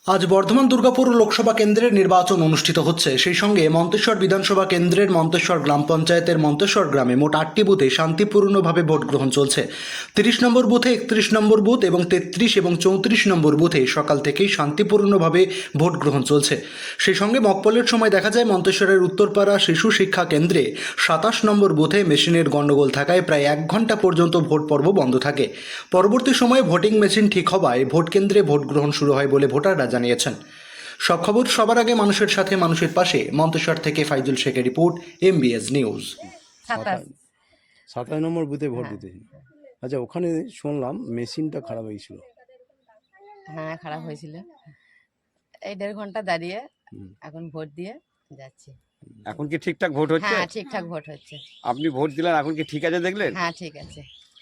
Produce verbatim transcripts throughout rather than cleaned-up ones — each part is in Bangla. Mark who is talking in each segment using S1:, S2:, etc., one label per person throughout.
S1: আজ বর্ধমান দুর্গাপুর লোকসভা কেন্দ্রের নির্বাচন অনুষ্ঠিত হচ্ছে। সেই সঙ্গে মন্তেশ্বর বিধানসভা কেন্দ্রের মন্তেশ্বর গ্রাম পঞ্চায়েতের মন্তেশ্বর গ্রামে মোট আটটি বুথে শান্তিপূর্ণভাবে ভোট গ্রহণ চলছে। তিরিশ নম্বর বুথে, একত্রিশ নম্বর বুথ এবং তেত্রিশ এবং চৌত্রিশ নম্বর বুথে সকাল থেকেই শান্তিপূর্ণভাবে ভোট গ্রহণ চলছে। সেই সঙ্গে মকপলের সময় দেখা যায় মন্তেশ্বরের উত্তরপাড়া শিশু শিক্ষা কেন্দ্রে সাতাশ নম্বর বুথে মেশিনের গণ্ডগোল থাকায় প্রায় এক ঘন্টা পর্যন্ত ভোট পর্ব বন্ধ থাকে। পরবর্তী সময়ে ভোটিং মেশিন ঠিক হওয়ায় ভোট কেন্দ্রে ভোট গ্রহণ শুরু হয় বলে ভোটাররা জানিয়েছেন। সব খবর সবার আগে মানুষের সাথে মানুষের পাশে। মন্তেশ্বর থেকে ফাইজুল শেখের রিপোর্ট, এমবিএস নিউজ।
S2: সাতাশ
S3: সাতাশ নম্বর বুথে ভোট
S2: হ্যাঁ।
S3: দিতে। আচ্ছা, ওখানে শুনলাম মেশিনটা খারাপ হয়েছিল।
S2: হ্যাঁ, খারাপ হয়েছিল। এই দেড় ঘন্টা দাঁড়িয়ে
S3: হুম।
S2: এখন ভোট দিয়ে যাচ্ছি।
S4: এখন কি ঠিকঠাক ভোট হচ্ছে?
S2: হ্যাঁ, ঠিকঠাক ভোট হচ্ছে।
S4: আপনি ভোট দিলেন, এখন কি ঠিক আছে দেখলেন?
S2: হ্যাঁ, ঠিক আছে।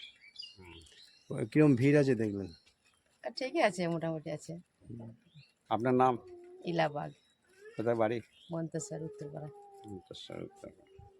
S3: কিরম ভিড় আছে দেখলেন?
S2: আর ঠিকই আছে, মোটামুটি আছে।
S4: আপনার নাম?
S2: ইলাবাগ,
S4: কোথায় বাড়ি?
S2: মন্তেশ্বর, উত্তরপাড়া।
S4: মন্তেশ্বর, উত্তরপাড়া।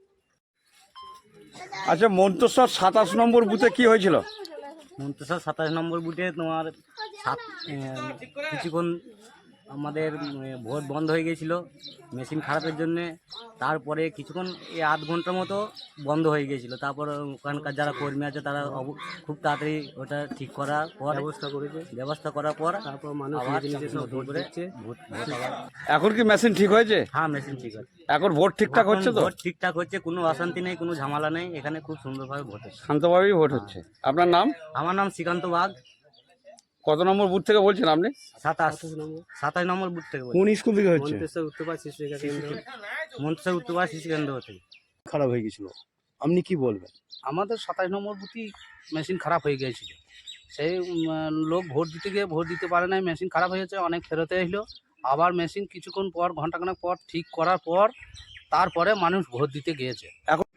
S4: আচ্ছা, মন্তেশ্বর সাতাশ নম্বর বুথে কি হয়েছিল?
S5: মন্তেশ্বর সাতাশ নম্বর বুথে তোমার সাত কিছুক্ষণ আমাদের ভোট বন্ধ হয়ে গিয়েছিল মেশিন খারাপের জন্যে। তারপরে কিছুক্ষণ এই আধ ঘন্টার মতো বন্ধ হয়ে গিয়েছিল। তারপর ওখানকার যারা কর্মী আছে তারা অব- খুব তাড়াতাড়ি ওটা ঠিক করার পর ব্যবস্থা করেছে ব্যবস্থা করার পর তারপর মানুষ নতুন করে ভোট ভোট আবার।
S4: এখন কি মেশিন ঠিক হয়েছে?
S5: হ্যাঁ, মেশিন ঠিক আছে।
S4: এখন ভোট ঠিকঠাক
S5: এখন
S4: হচ্ছে তো?
S5: ভোট ঠিকঠাক হচ্ছে, কোনো অশান্তি নেই, কোনো ঝামেলা নেই। এখানে খুব সুন্দরভাবে ভোট হচ্ছে।
S4: শান্তভাবেই ভোট হচ্ছে। আপনার নাম?
S5: আমার নাম শ্রীকান্ত বাগ,
S4: কত নম্বর বুথ থেকে বলছেন আপনি?
S5: সাতাশ সাতাশ নম্বর বুথ থেকে বলছি।
S3: কোন স্কুল থেকে হচ্ছে?
S5: মন্তেশ্বর উত্তরপাড়া শিশু কেন্দ্র মন্তেশ্বর উত্তরপাড়া শিশু কেন্দ্র থেকে।
S3: খারাপ হয়ে গেছিল, আপনি কি বলবেন?
S6: আমাদের সাতাশ নম্বর বুথই মেশিন খারাপ হয়ে গিয়েছিল। সেই উম, লোক ভোট দিতে গিয়ে ভোট দিতে পারে নাই, মেশিন খারাপ হয়েছে, অনেক ফেরতে এলো। আবার মেশিন কিছুক্ষণ পর, ঘন্টাখানেক পর ঠিক করার পর তারপরে মানুষ ভোট দিতে গিয়েছে।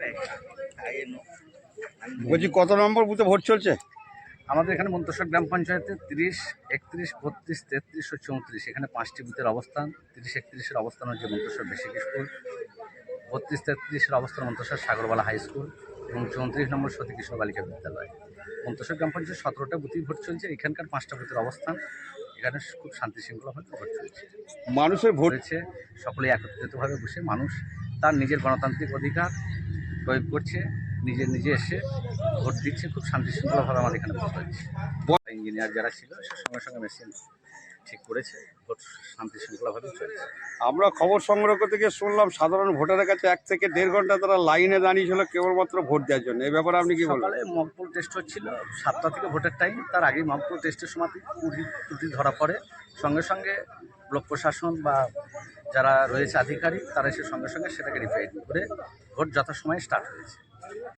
S4: বলছি, কত নম্বর বুথে ভোট চলছে?
S6: আমাদের এখানে মন্তেশ্বর গ্রাম পঞ্চায়েতে তিরিশ, একত্রিশ, বত্রিশ, তেত্রিশ ও চৌত্রিশ, এখানে পাঁচটি বুথের অবস্থান। তিরিশ একত্রিশের অবস্থান হচ্ছে মন্তেশ্বর বেসিক স্কুল, বত্রিশ তেত্রিশের অবস্থান মন্তেশ্বর সাগরবালা হাই স্কুল এবং চৌত্রিশ নম্বর সতী কিশোর বালিকা বিদ্যালয়। মন্তেশ্বর গ্রাম পঞ্চায়েত সতেরোটা বুথেই ভোট চলছে। এখানকার পাঁচটা বুথের অবস্থান। এখানে খুব শান্তি শৃঙ্খলাভাবে ভোট চলছে।
S4: মানুষের ভোট
S6: হয়েছে, সকলে একত্রিতভাবে বসে মানুষ তার নিজের গণতান্ত্রিক অধিকার প্রয়োগ করছে, নিজে নিজে এসে ভোট দিচ্ছে। খুব শান্তি শৃঙ্খলাভাবে আমাদের এখানে ভোট হচ্ছে। ইঞ্জিনিয়ার যারা ছিল সে সঙ্গে সঙ্গে মেশিন ঠিক করেছে, ভোট শান্তি শৃঙ্খলাভাবেই চলছে।
S4: আমরা খবর সংগ্রহ করতে গিয়ে শুনলাম সাধারণ ভোটারের কাছে এক থেকে দেড় ঘন্টা তারা লাইনে দাঁড়িয়েছিল কেবলমাত্র ভোট দেওয়ার জন্য। এই ব্যাপারে আপনি কি বলবেন?
S6: সকালে মকপোল টেস্ট হচ্ছিল, সাতটা থেকে ভোটের টাইম। তার আগেই মকপোল টেস্টের সময় ত্রুটি ত্রুটি ধরা পড়ে। সঙ্গে সঙ্গে ব্লক প্রশাসন বা যারা রয়েছে আধিকারিক তারা এসে সঙ্গে সঙ্গে সেটাকে রিফাইন করে ভোট যথাসময়ে স্টার্ট হয়েছে।